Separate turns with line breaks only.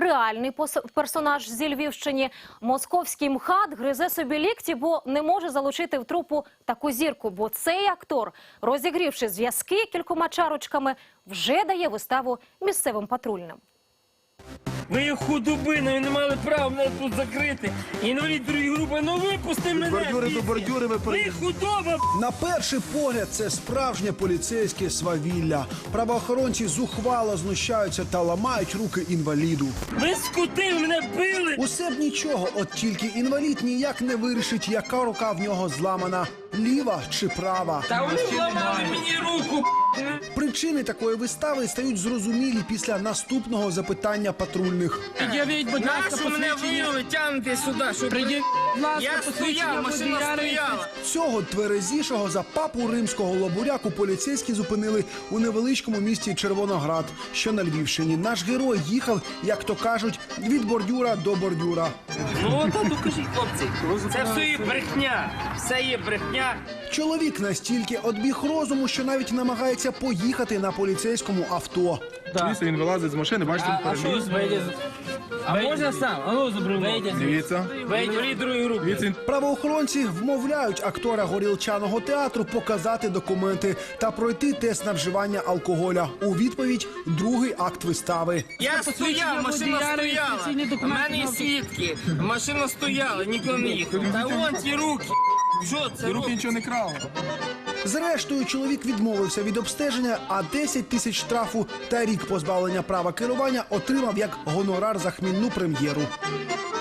реальний персонаж зі Львівщини. Московський МХАТ гризе собі лікті, бо не може залучити в трупу таку зірку. Бо цей актор, розігрівши зв'язки кількома чарочками, вже дає виставу місцевим патрульним.
Ви є худобиною, не мали права мене тут закрити. Інвалід другої групи, ну випусти мене!
Бордюри до бордюри ви
Ви худоба!
На перший погляд це справжнє поліцейське свавілля. Правоохоронці зухвало знущаються та ламають руки інваліду.
Ви скотили, мене били!
Усе б нічого, от тільки інвалід ніяк не вирішить, яка рука в нього зламана – ліва чи права.
Та вони зламали мені руку!
Причини такої вистави стають зрозумілі після наступного запитання патрульних.
Під'явіть, будь ласка,
Нащо мене
посвідчення.
вивели, тягнете сюди? Щоб...
Придіть, будь ласка,
Я
посвідчення
стояв, машина
водія
стояла.
Цього тверезішого за папу римського лобуряку поліцейські зупинили у невеличкому місті Червоноград, що на Львівщині. Наш герой їхав, як то кажуть, від бордюра до бордюра.
Ну, та докажіть, хлопці. Це все є брехня. Все є брехня.
Чоловік настільки одбіг розуму, що навіть намагається поїхати на поліцейському авто.
Дивіться, він вилазить з машини, бачите,
А що вийде?
А можна сам? А ну, забрав.
дивіться.
Вийде другої групи.
Дивіться, він
Правоохоронці вмовляють актора горілчаного театру показати документи та пройти тест на вживання алкоголя. У відповідь – другий акт вистави.
Я стояв, машина
водія,
стояла.
реєстраційний
У
документ
мене є
на-
свідки. Машина стояла, ніхто не їхав. Та вон ті руки. Що це
руки
робить?
нічого не крали.
Зрештою, чоловік відмовився від обстеження, а 10 тисяч штрафу та рік позбавлення права керування отримав як гонорар за хмільну прем'єру.